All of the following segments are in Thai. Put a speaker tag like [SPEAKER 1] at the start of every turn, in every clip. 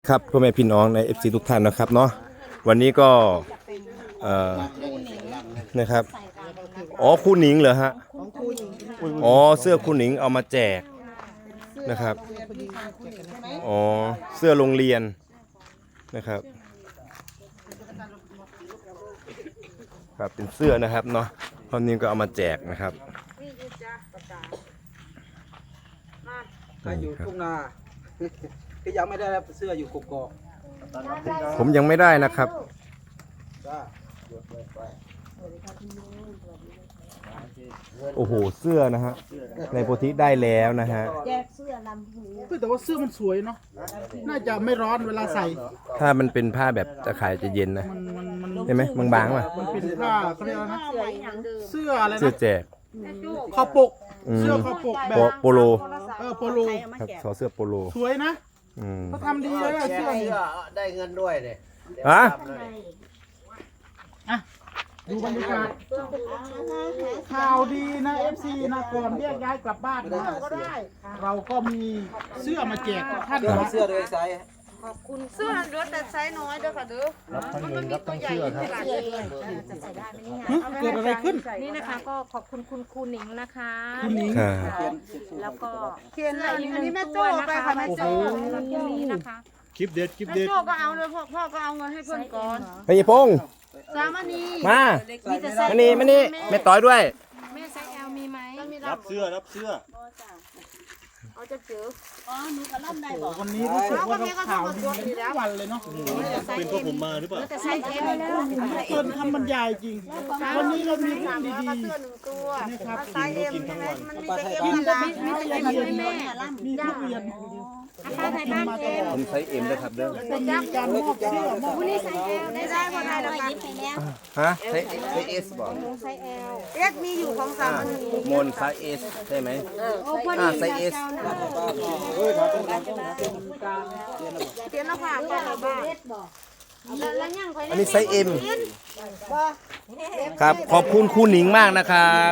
[SPEAKER 1] ครับพ่อแม่พี่น้องใน FC ทุกท่านนะครับเนาะวันนี้ก็นะครับอ๋อคู่หนิงเหรอฮะอ๋อเสื้อคู่หนิงเอามาแจกนะครับอ๋อเสื้อโรงเรียนนะครับครับเป็นเสื้อนะครับเนาะพ่อนิ่มก็เอามาแจกนะครับ
[SPEAKER 2] ใครอยู่ทุ่งนาก็ยังไม่ได้รับเสื้ออยู่กกอก
[SPEAKER 1] ผมยังไม่ได้นะครับ
[SPEAKER 2] จ้า
[SPEAKER 1] โอ้โหเสื้อนะฮะในโพธิได้แล้วนะฮะ
[SPEAKER 3] แจกเสื้อลำพู
[SPEAKER 2] แต่ว่าเสื้อมันสวยเนาะน่าจะไม่ร้อนเวลาใส่
[SPEAKER 1] ถ้ามันเป็นผ้าแบบตะข่ายจะเย็นนะ
[SPEAKER 2] มัน
[SPEAKER 1] เห็นไหมบางๆป่ะ
[SPEAKER 2] มันเป็นผ้าเขาเรียกอะไรนะเสื้ออะไร
[SPEAKER 1] เสื้อ
[SPEAKER 2] นะ
[SPEAKER 1] แจก
[SPEAKER 2] คอปกเสื้อคอปกแบบ
[SPEAKER 1] โปโล
[SPEAKER 2] โปโล
[SPEAKER 1] ครับขอเสื้อโปโล
[SPEAKER 2] สวยนะ
[SPEAKER 1] อืม
[SPEAKER 2] เขาทำดีเลยเสื้อนี่
[SPEAKER 4] ได้เงินด้วยเนี่ย
[SPEAKER 1] ฮะ
[SPEAKER 2] อ่ะดูบรรยากาศข่าวดีนะ FC นะก่อนเรียกย้ายกลับบ้านนะเราก็มีเสื้อมาแจกทุกท่านนะเสื้อเลยไซส์
[SPEAKER 3] เสื้อรถแต่ไซส์น้อยเด้อค่ะเด้อมันมีตัวใหญ่ขนาดนี้จะใส่ได้ไหมเนี่ย
[SPEAKER 2] เกิดอะไรขึ้น
[SPEAKER 5] นี่นะคะก็ขอบคุณคุณครูหนิงนะคะ
[SPEAKER 2] คุณหนิง
[SPEAKER 1] ค่ะ
[SPEAKER 5] แล้วก็
[SPEAKER 3] เขียนอะไรอันนี้แม่โจ้ไปค่ะแม่โจ้
[SPEAKER 5] สำหรับที่นี้นะคะ
[SPEAKER 4] คลิปเด็ดคลิป
[SPEAKER 3] แม่
[SPEAKER 4] เด็ด
[SPEAKER 3] โจ้ก็เอาเลยพ่อก็เอาเงินให้เพื่อนก่อน
[SPEAKER 1] พญพงษ์
[SPEAKER 3] สามอันนี้
[SPEAKER 1] มา
[SPEAKER 3] มีแต่ไซส์
[SPEAKER 1] มานี่มานี่แม่ต้อยด้วย
[SPEAKER 5] แม่ไซส์ L มีไหม
[SPEAKER 3] มี
[SPEAKER 4] รับเสื้อรับเสื้อ
[SPEAKER 3] เอาจะเจอ
[SPEAKER 2] วันนี้รู้สึกว่าเราข่าวดีกันทุกวันเลยเนาะ
[SPEAKER 4] เป็นเพราะผมมาหรือเปล่า
[SPEAKER 5] แต่ไซส์ L แล้ว
[SPEAKER 2] เกินคำบรรยายจริง วันนี้เรามีเรื่อง
[SPEAKER 3] แล้ว
[SPEAKER 2] ดี
[SPEAKER 3] ก็เสื้อหนึ่งตัว
[SPEAKER 2] ๆนะครับ
[SPEAKER 3] ไซส์เอ็มใช่ไหมมันมีแต่เอ็ม
[SPEAKER 2] กิน
[SPEAKER 3] กับ
[SPEAKER 2] ก็
[SPEAKER 3] ลา
[SPEAKER 2] ไม่
[SPEAKER 3] มี
[SPEAKER 2] มี
[SPEAKER 3] แต่
[SPEAKER 2] อะไร
[SPEAKER 3] เอ็ม
[SPEAKER 2] เลย
[SPEAKER 3] เลยแม่
[SPEAKER 2] มีทุเรียน
[SPEAKER 5] ป้าไทยบ้านเอง
[SPEAKER 1] ผมไซส์เอ็มนะครับเด้อ
[SPEAKER 2] แล้วก็มีการมอบเสื้อมอบ
[SPEAKER 5] นี่ไซส์ L
[SPEAKER 3] ได้ได้พอได้แล้วกัน
[SPEAKER 1] ฮะไซส์เอสบอก
[SPEAKER 5] ไซส์ L
[SPEAKER 3] เอ็กมีอยู่ของสามอันนี้
[SPEAKER 1] มนไซส์เอสใช่ไหม
[SPEAKER 5] โอ้พอดี
[SPEAKER 1] ไซส์เอส
[SPEAKER 3] เขียนแล้วค่ะก็เอาบ้านแล้วยัง
[SPEAKER 1] อันนี้ไซส์เอ็มครับขอบคุณครูหนิงมากนะครับ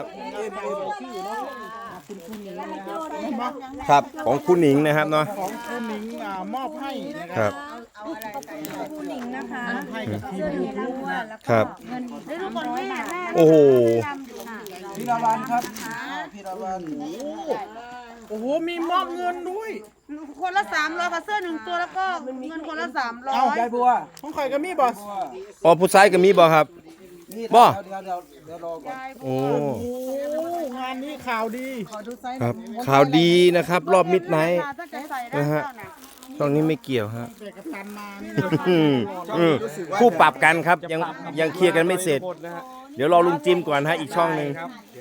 [SPEAKER 1] ครับของครูหนิงนะครับเนาะ
[SPEAKER 2] ของคุณหนิงมอบให้นะครับ
[SPEAKER 5] คุณหนิงนะคะ
[SPEAKER 2] ให้กับทีมยูทูบนะครับ
[SPEAKER 3] ได้ดูก่อนแม่แม่
[SPEAKER 1] โอ้โห
[SPEAKER 2] พี่ราวันครับพี่ราวันโอ้โหมีมอบเงินด้วย
[SPEAKER 3] คนละ300กับเสื้อหนึ่งตัวแล้วก็เงินคนละ300
[SPEAKER 2] เอายายบัวของข่อยก็มีบอส
[SPEAKER 1] อ๋อผู้ชายก็มีบ่ครับ บ่
[SPEAKER 2] เดี๋ยวรอก่อน
[SPEAKER 1] โอ้
[SPEAKER 2] โอ้งานนี้ข่าวดี
[SPEAKER 1] ครับข่าวดีนะครับ รอบมิดไนท์
[SPEAKER 3] ถ้าจะใส่ได้
[SPEAKER 1] นะฮะ
[SPEAKER 3] เจ้าน่ะ
[SPEAKER 1] ช่องนี้ไม่เกี่ยวฮะ
[SPEAKER 2] แต่กับตันมานี่
[SPEAKER 1] คู่ปรับกันครับยังเคลียร์กันไม่เสร็จ เดี๋ยวรอลุงจิมก่อนฮะอีกช่องหนึ่ง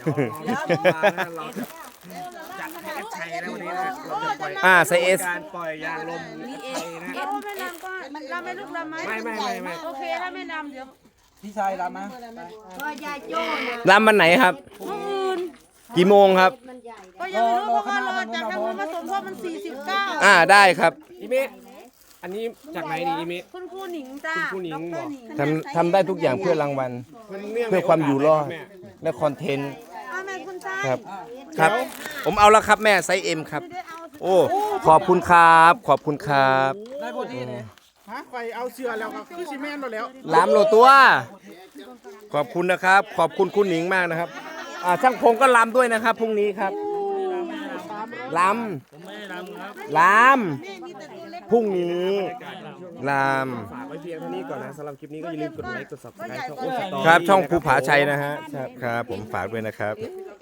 [SPEAKER 1] ไซส์เอส
[SPEAKER 4] การปล่อยยางลม
[SPEAKER 3] โอ้ไม่นำก็เราไม่ลูกเราไหมไม่โอเคถ้าไม่นำเดี๋ยว
[SPEAKER 2] พี่ชายรับไหม
[SPEAKER 1] รำวันไหนครับ กี่โมงครับ
[SPEAKER 3] ก็ยังไม่รู้เพราะว่ารอจากทางนู้นมาสมทบมัน49
[SPEAKER 1] ได้ครับ
[SPEAKER 4] อีเมะอันนี้จากไหนนี่อีเมะ
[SPEAKER 3] คุณครูหนิงจ้า
[SPEAKER 4] คุณครูหนิง
[SPEAKER 3] ด
[SPEAKER 4] บ
[SPEAKER 3] ร
[SPEAKER 4] อก
[SPEAKER 3] หนิง
[SPEAKER 1] ทำได้ทุกอย่างเพื่อรางวัล เพื่อความอยู่รอดและคอนเทนต์
[SPEAKER 3] อ้าวแม่คุณชาย
[SPEAKER 1] ครับ ครับ ผมเอาแล้วครับแม่ไซส์เอ็มครับ
[SPEAKER 3] ไม่ได้เอา
[SPEAKER 1] โอ้ขอบคุณครับ ขอบคุณครับ
[SPEAKER 2] ได้พอดีเนี่ยฮะข่อยเอาเสื้อแล้วครับคือซีเมนต์มาแล้ว
[SPEAKER 1] ล้ำโลตัว ขอบคุณนะครับ ขอบคุณคุณหนิงมากนะครับช่างพงก็ล้ำด้วยนะครับพรุ่งนี้ครับล้ำพรุ่งนี้ล้
[SPEAKER 4] ฝากไว้เพียงเท่านี้ก่อนนะสำหรับคลิปนี้ก็อย่าลืมกดไลค์กด subscribe ช่องโอ้สตอ
[SPEAKER 1] ำครับช่องภูผาชัยนะฮะครับ ผมฝากด้วยนะครับ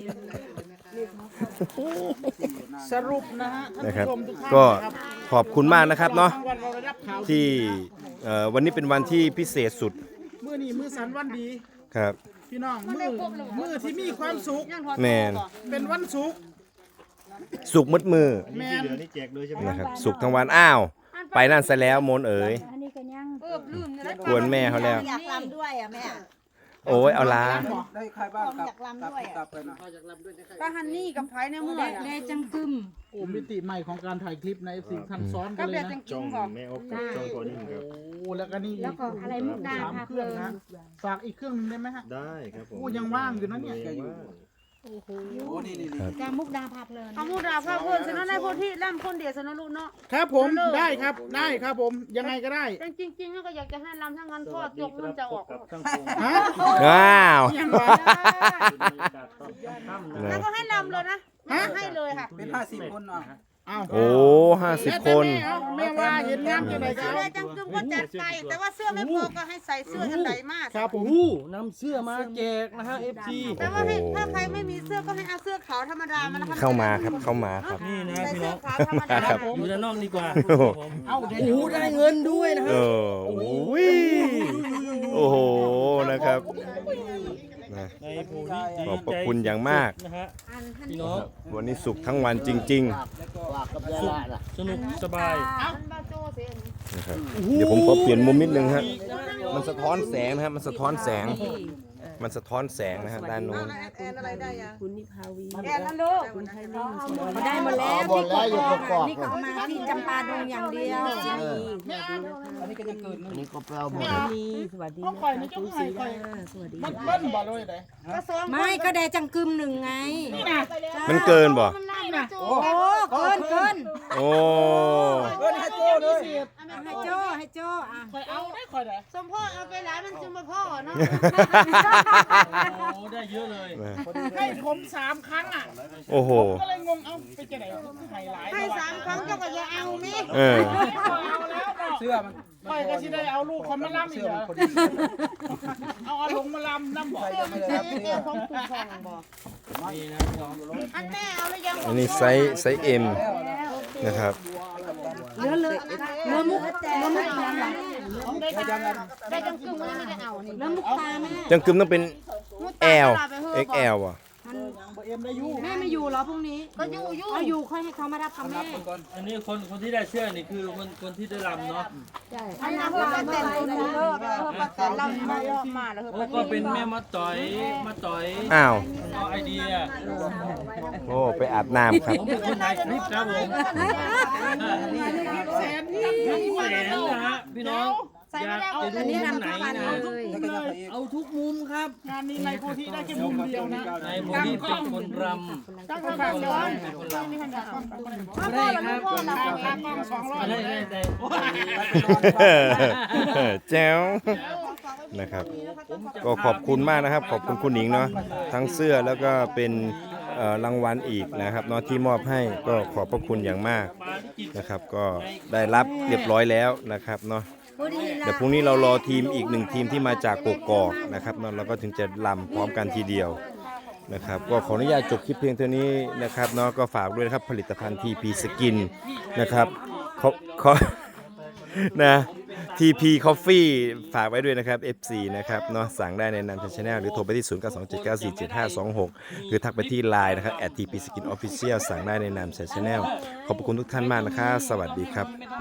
[SPEAKER 2] สรุปนะฮะท่าน
[SPEAKER 1] นะครับ
[SPEAKER 2] ผู้ชมทุกท่าน
[SPEAKER 1] ก็
[SPEAKER 2] นะครับ
[SPEAKER 1] ขอบคุณมากนะครับเนาะ
[SPEAKER 2] วันเราได้รับข่าว
[SPEAKER 1] ที่วันนี้เป็นวันที่พิเศษสุด
[SPEAKER 2] มือนี้มือสันวันดี
[SPEAKER 1] ครับ
[SPEAKER 2] พี่น้องมือที่มีความสุข
[SPEAKER 1] แมน
[SPEAKER 2] เป็นวันสุข
[SPEAKER 1] สุกมืดมือ
[SPEAKER 2] แมน
[SPEAKER 4] นี่แจกเลยใช่ไหม
[SPEAKER 1] นะครับสุกทั้งวันอ้าว ไปนั่นซะแล้วโมนเอ๋ย
[SPEAKER 5] อันนี้ก็ยัง
[SPEAKER 3] ลืมเนี่ยนะ
[SPEAKER 1] กวนแม่เขาแล้ว
[SPEAKER 3] อยากรำด้วยอ่ะแม่
[SPEAKER 1] โอ้ยเอาลา
[SPEAKER 2] ได้ใครบ้างครับ
[SPEAKER 3] อยากรำด้วย
[SPEAKER 2] กลับไปนะ
[SPEAKER 3] ป้าฮันนี่กับไผ่ในเมื่อ
[SPEAKER 5] แดจังกึม
[SPEAKER 2] โอ้มิติใหม่ของการถ่ายคลิปใน FC ท่านซ้อนกั
[SPEAKER 3] ก็
[SPEAKER 2] นเล
[SPEAKER 3] เบีย
[SPEAKER 2] ย
[SPEAKER 3] ด
[SPEAKER 2] นะ
[SPEAKER 3] จัง
[SPEAKER 4] ช่
[SPEAKER 3] กิ
[SPEAKER 4] อง
[SPEAKER 3] งบอก
[SPEAKER 4] แม่อบกับช่องพอนิ่งครับ
[SPEAKER 2] โอ้แล้วก็นี่
[SPEAKER 5] แล้วก็อะไรมุกดา
[SPEAKER 2] สาม
[SPEAKER 5] พา
[SPEAKER 2] เค
[SPEAKER 5] เพ
[SPEAKER 2] รื่อง
[SPEAKER 5] ลิน
[SPEAKER 2] นะฝากอีกเครื่องนึงได้ไหมฮะ
[SPEAKER 4] ได้ครับผม
[SPEAKER 2] โอ้ยังว่างอยู่นะเนี่ย
[SPEAKER 4] ว่าง
[SPEAKER 5] จากมุกดาพับเลย
[SPEAKER 3] เอามูดาพาเพื่อนสนในโพธิล่ำคนเดียวสนลูกเนาะ
[SPEAKER 2] ครับผมได้ครับได้ครับผมยังไงก็ได้
[SPEAKER 3] แต่จริงๆก็อยากจะให้ลำทั้งนั้นพ่อจกมันจะออก
[SPEAKER 2] ฮะ
[SPEAKER 1] ว้าว
[SPEAKER 2] ยังวะ
[SPEAKER 3] แล้วก็ให้ลำเลยนะไม่ให้เลยค่ะ
[SPEAKER 6] เป็น50 คนอ่ะ
[SPEAKER 2] อ้าว
[SPEAKER 1] โอ้50 คน
[SPEAKER 2] แม่ว่าเห็นงามจังไหนค
[SPEAKER 3] เสื้
[SPEAKER 2] รั
[SPEAKER 3] อบ จังกึมก็จัดไปแต่ว่าเสื้อไม่พอก็ให้ใส่เสื้ออันใดมาก
[SPEAKER 2] ครับผม
[SPEAKER 4] นำเสื้อมาแจกนะฮะ FC
[SPEAKER 3] แต่ว่าถ้าใครไม่มีเสื้อก็ให้เอาเสื้อขาวธรรมดามานะคะ
[SPEAKER 1] เข้ามาครับเข้ามาครับ
[SPEAKER 4] นี่นะ
[SPEAKER 3] ใส่
[SPEAKER 4] พี่
[SPEAKER 3] เสื้
[SPEAKER 4] น้
[SPEAKER 3] อ
[SPEAKER 4] อง
[SPEAKER 3] ขาวธรรมดา
[SPEAKER 1] ครับ
[SPEAKER 4] อยู่ด้านนอกดีกว่า
[SPEAKER 2] เอา
[SPEAKER 4] โอ้โหได้เงินด้วยนะ
[SPEAKER 1] เอ
[SPEAKER 4] ฮะ
[SPEAKER 1] อโอ้ยโอ้โหนะครับนะ
[SPEAKER 4] ในโพธิดี
[SPEAKER 1] ขอบพระคุณอย่างมาก
[SPEAKER 4] นะฮะพี่น้อง
[SPEAKER 1] วันนี้สุขทั้งวันจริง
[SPEAKER 4] สนุกสบาย
[SPEAKER 3] มันบาโจ้เสีย
[SPEAKER 1] ๆนะครับเดี๋ยวผมขอเปลี่ยนมุมนิดนึงฮะมันสะท้อนแสงนะครับมันสะท้อนแสง มันสะท้อนแสงนะฮะด้านโน้น
[SPEAKER 3] แอนอะไรได้ยัง
[SPEAKER 5] คุณนิพาวี
[SPEAKER 3] แอนนั่นลูก
[SPEAKER 5] ได้หมดแล้วที่กอกนี่เขามาที่จำปาดงอย่างเดียว
[SPEAKER 6] อันนี้ก็จะเกิดนี่ก็แปลหมด
[SPEAKER 5] สวัสดี
[SPEAKER 2] เขาคอยนะเจ้าคอยคอย
[SPEAKER 5] สวัสดี
[SPEAKER 2] มันเบิ้ลบ่เลยเลย
[SPEAKER 3] ก็สอง
[SPEAKER 5] ไม่ก็แดจังกึมหนึ่งไง
[SPEAKER 2] นี่นะ
[SPEAKER 1] มันเกินบ่
[SPEAKER 3] มันไล่นะโจ้
[SPEAKER 5] โอ้เกิน
[SPEAKER 1] โอ้
[SPEAKER 6] เกินให้โจ้เลย
[SPEAKER 5] ให้โจ้อ่ะ
[SPEAKER 2] คอยเอาได้คอยได้
[SPEAKER 3] สมพ่อเอาไปหลายมันจึงมาพ่อเนาะ
[SPEAKER 4] โอ้ได้เยอะเลย
[SPEAKER 2] ให้ผม3 ครั้งอ่ะ
[SPEAKER 1] โอ้โห
[SPEAKER 2] ก็เลยงงเอาไปจะไหนไฮไลท์
[SPEAKER 3] ให้3 ครั้งเจ้าก็จะเอามิ
[SPEAKER 1] เออ
[SPEAKER 2] เอาแล้วเนาะ
[SPEAKER 6] เสื้อมัน
[SPEAKER 2] คอยก็สิได้เอาลูกคนมาล่ำอี
[SPEAKER 6] เสื้
[SPEAKER 2] ก
[SPEAKER 6] อ
[SPEAKER 2] เหร
[SPEAKER 6] มัน
[SPEAKER 2] อ
[SPEAKER 6] พอดี
[SPEAKER 2] เอาอาลงมาล่ำน้ำบ่อ
[SPEAKER 6] ใครจะไม่ได้รับ
[SPEAKER 3] เอ
[SPEAKER 6] เสื้อ
[SPEAKER 3] วของปู่ทองบอก
[SPEAKER 4] นี่นะพี่น้อง
[SPEAKER 3] อันแม่เอาหรือยัง
[SPEAKER 1] อันนี้ไซส์ M นะครับ
[SPEAKER 5] เหลือมุกยังไง
[SPEAKER 3] ได้จังกึ่งไม่ได้เอานี่
[SPEAKER 5] เหลือมุกตาแม่
[SPEAKER 1] จังกึมต้องเป็น L XL อ่ะ
[SPEAKER 2] เอ็มได้ยู่
[SPEAKER 5] แม่ไม่อยู่เหรอพรุ่งนี้
[SPEAKER 3] ก็อยู่
[SPEAKER 5] เอาอยู่ค่อยให้เขามารับกับแม่
[SPEAKER 4] อันนี้คนที่ได้เสื้อนี่คือคนที่ได้รำเนาะ
[SPEAKER 3] อันนั้นเพื่อมาแต่งตัวนี้เลิกมาแต่งเราไม่ยอมมาแล้ว
[SPEAKER 4] โอ้ก็เป็นแม่มาต่อย
[SPEAKER 1] อ้าว
[SPEAKER 4] เอาไอเดีย
[SPEAKER 1] โอ้ ไปอาบน้ำครับ
[SPEAKER 4] ผมเป็นคนถ่ายคลิปครับผม
[SPEAKER 2] แสนที่
[SPEAKER 4] แสนนะฮะพี่น้องอยากจะดู
[SPEAKER 5] อันนี้
[SPEAKER 4] มุม
[SPEAKER 5] รำ
[SPEAKER 4] ไหน
[SPEAKER 5] ทุกวัน
[SPEAKER 4] นะ
[SPEAKER 5] เลย
[SPEAKER 4] เอาทุกมุมครับ
[SPEAKER 2] งานนี้ในโพธิได้แค่มุมเดียวนะ
[SPEAKER 4] ในโพธิเป็นคนรำ
[SPEAKER 2] ตั้งกล้องย้อน
[SPEAKER 4] เป็นคนรำ
[SPEAKER 3] พ่อแล้วพ่อเรา
[SPEAKER 2] ตั้งกล้อง200
[SPEAKER 4] ได้ได้
[SPEAKER 1] แจ๋วนะครับ ก็ขอบคุณมากนะครับ ขอบคุณคุณหนิงเนาะทั้งเสื้อแล้วก็เป็นรางวัลอีกนะครับเนาะที่มอบให้ก็ขอบพระคุณอย่างมากนะครับ ก็ได้รับเรียบร้อยแล้วนะครับเนาะเดี๋ยวพรุ่งนี้เรารอทีมอีกหนึ่งทีมที่มาจากกกอกนะครับเนาะเราก็ถึงจะลำพร้อมกันทีเดียวนะครับ ก็ขออนุญาตจบคลิปเพียงเท่านี้นะครับเนาะก็ฝากด้วยนะครับผลิตภัณฑ์ TP Skin นะครับขอนะ TP Coffee ฝากไว้ด้วยนะครับ FC นะครับเนาะสั่งได้ในนามชาแนลหรือโทรไปที่ 0927947526 หรือทักไปที่ Line นะครับ @TP Skin Official สั่งได้ในนามชาแนลขอบคุณทุกท่านมากนะครับสวัสดีครับ